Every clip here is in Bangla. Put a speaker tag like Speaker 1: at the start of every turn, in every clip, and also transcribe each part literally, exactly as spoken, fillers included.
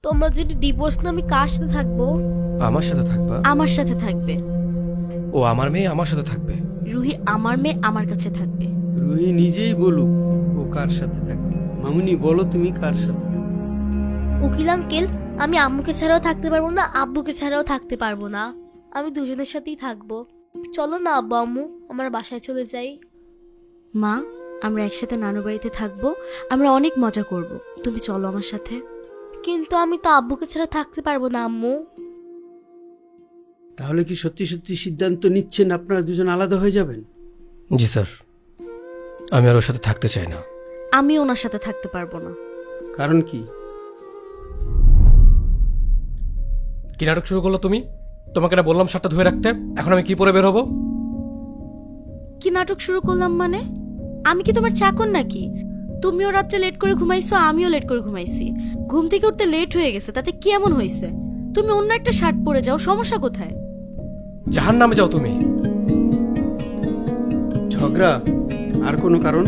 Speaker 1: তোমার যদি ডিভোর্স না, আমি কার সাথে থাকবো?
Speaker 2: আমার সাথে থাকবা?
Speaker 3: আমার সাথে থাকবে।
Speaker 2: ও আমার মেয়ে আমার সাথে থাকবে?
Speaker 3: রুহি আমার মেয়ে আমার কাছে থাকবে।
Speaker 4: রুহি নিজেই বলুক ও কার সাথে থাকবে। মামুনি বলো তুমি কার সাথে থাকবে?
Speaker 1: উকিল আঙ্কেল, আমি আম্মুকে ছাড়াও থাকতে পারবো না, আব্বুকে ছাড়াও থাকতে পারবো না। আমি দুজনের সাথেই থাকবো। চলো না আব্বু আম্মু, আমার বাসায় চলে যাই।
Speaker 3: মা, আমরা একসাথে নানু বাড়িতে থাকবো, আমরা অনেক মজা করব। তুমি চলো আমার সাথে।
Speaker 1: কিন্তু আমি তো আব্বুকে ছাড়া থাকতে পারবো না আম্মু।
Speaker 4: তাহলে কি সত্যি সত্যি সিদ্ধান্ত নিচ্ছেন আপনারা দুজন আলাদা হয়ে যাবেন?
Speaker 2: জি স্যার, আমি আর ওর সাথে থাকতে চাই না।
Speaker 3: আমি ওনার সাথে থাকতে পারবো না।
Speaker 4: কারণ কি?
Speaker 2: কি নাটক শুরু করলো তুমি? তোমাকে না বললাম শার্টটা ধুয়ে রাখতে, এখন আমি কি পরে বের হবো?
Speaker 3: কি নাটক শুরু করলাম মানে? আমি কি তোমার চাকর নাকি? তুমিও রাত্রে লেট করে ঘুমাইছো, আমিও লেট করে ঘুমাইছি। ঘুম থেকে উঠতে লেট হয়ে গেছে, তাতে কি এমন হয়েছে? তুমি অন্য একটা শার্ট পরে যাও, সমস্যা কোথায়?
Speaker 2: জাহান নামে যাও তুমি।
Speaker 4: ঝগড়া? আর কোনো কারণ?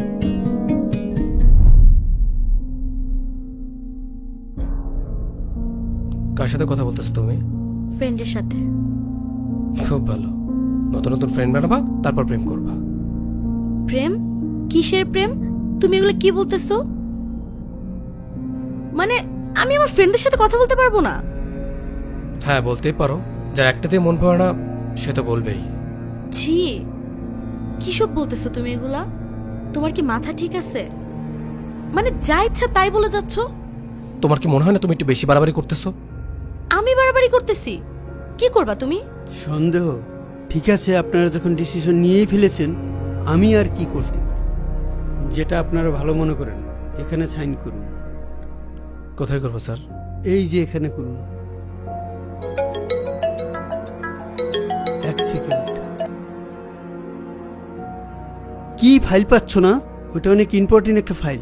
Speaker 2: কার সাথে কথা বলতেছো তুমি?
Speaker 3: ফ্রেন্ডের সাথে।
Speaker 2: খুব ভালো, নতুন নতুন ফ্রেন্ড বানাবা, তারপর প্রেম করবা।
Speaker 3: প্রেম? কিসের প্রেম? তুমি এগুলো কি বলতেছো? মানে আমি আমার ফ্রেন্ডের সাথে কথা বলতে পারবো না?
Speaker 2: হ্যাঁ বলতেই পারো, যার একটাতেই মন পড়ে না সে তো বলবেই।
Speaker 3: ছি, কিসব বলতেছো তুমি এগুলা? তোমার কি মাথা ঠিক আছে? মানে যা ইচ্ছা তাই বলে যাচ্ছ।
Speaker 2: তোমার কি মনে হয় না তুমি একটু বেশি বাড়াবাড়ি করতেছো?
Speaker 3: আমি বাড়াবাড়ি করতেছি? কি করবা তুমি?
Speaker 4: সন্দেহ? ঠিক আছে, আপনারা যখন ডিসিশন নিয়েই ফেলেছেন, আমি আর কি করতে পারি? যেটা আপনারা ভালো মনে করেন। এখানে সাইন করুন।
Speaker 2: কোথায় করবো স্যার?
Speaker 4: এই যে এখানে করুন। এক সেকেন্ড। কি ফাইল পাচ্ছ না? ওটা অনেক ইম্পর্টেন্ট একটা ফাইল।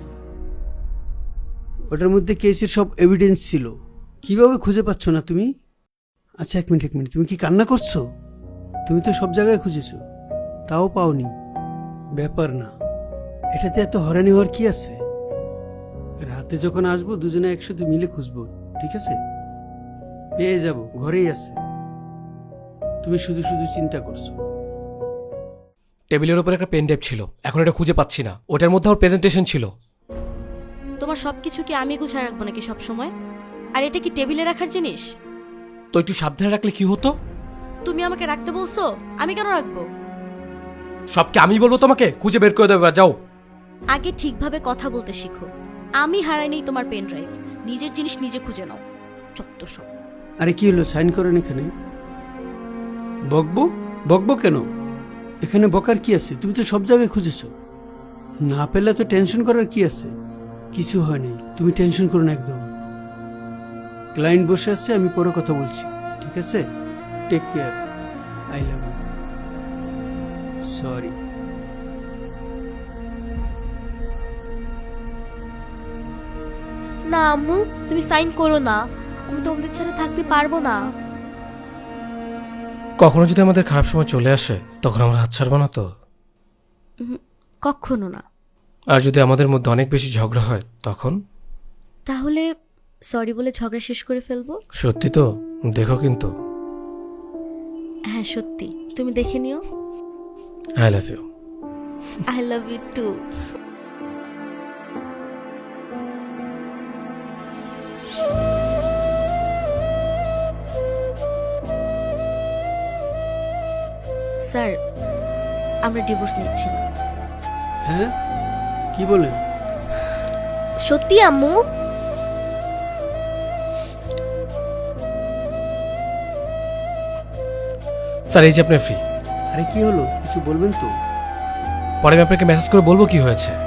Speaker 4: ওটার মধ্যে কেসের সব এভিডেন্স ছিল। কিভাবে খুঁজে পাচ্ছ না তুমি? আচ্ছা এক মিনিট এক মিনিট, তুমি কি কান্না করছো? তুমি তো সব জায়গায় খুঁজেছো, তাও পাওনি। ব্যাপার না, এটাতে এত হয়রানি হওয়ার কি আছে? রাতে যখন আসবো দুজনে একসাথে মিলে খুঁজবো, ঠিক আছে? পেয়ে যাব, ঘরেই আছে। তুমি শুধু শুধু চিন্তা করছো।
Speaker 2: টেবিলের উপর একটা পেন ড্রাইভ ছিল, এখন এটা খুঁজে পাচ্ছি না। ওটার মধ্যে আমার প্রেজেন্টেশন ছিল।
Speaker 3: তোমার সবকিছু কি আমি গুছায় রাখবো নাকি সব সময়? আর এটা কি টেবিলে রাখার জিনিস?
Speaker 2: তো একটু সাবধানে রাখলে কি হতো?
Speaker 3: তুমি আমাকে রাখতে বলছো, আমি কেন রাখবো?
Speaker 2: সবকে আমি বলবো তোমাকে খুঁজে বের করে দেবে, যাও।
Speaker 3: আগে ঠিকভাবে কথা বলতে শিখো। আমি হারাইনি তোমার পেন ড্রাইভ, নিজের জিনিস নিজে খুঁজে নাও। চত্ব সব।
Speaker 4: আরে কি হলো, সাইন করেন এখানে। বকবো? বকবো কেন? এখানে বকার কি আছে? তুমি তো সব জায়গায় খুঁজেছো, না পেলে তো টেনশন করার কি আছে? কিছু হয়নি, তুমি টেনশন করো না একদম। ক্লায়েন্ট বসে আছে, আমি পরে কথা বলছি, ঠিক আছে? Take care, I love you. Sorry.
Speaker 1: না আম্মু, তুমি সাইন করো না, আমি তোমাদের ছাড়া থাকতে পারবো না।
Speaker 2: কখনো যদি আমাদের খারাপ সময় চলে আসে তখন আমরা হাত ছাড়বো না তো?
Speaker 3: উহুম, কখনো না।
Speaker 2: আর যদি আমাদের মধ্যে অনেক বেশি ঝগড়া হয় তখন?
Speaker 3: তাহলে সরি বলে ঝগড়া শেষ করে ফেলবো।
Speaker 2: সত্যি তো? দেখো কিন্তু।
Speaker 3: হ্যাঁ সত্যি, তুমি দেখে নিও।
Speaker 2: I love you.
Speaker 3: I love you too. Sir, আমরা ডিভোর্স নিচ্ছি না।
Speaker 4: হ্যাঁ, কি বলেন?
Speaker 1: সত্যি আম্মু?
Speaker 2: স্যার এই যে আপনার ফি।
Speaker 4: আরে কি হলো, কিছু বলবেন তো?
Speaker 2: পরে আমি আপনাকে মেসেজ করে বলবো কি হয়েছে।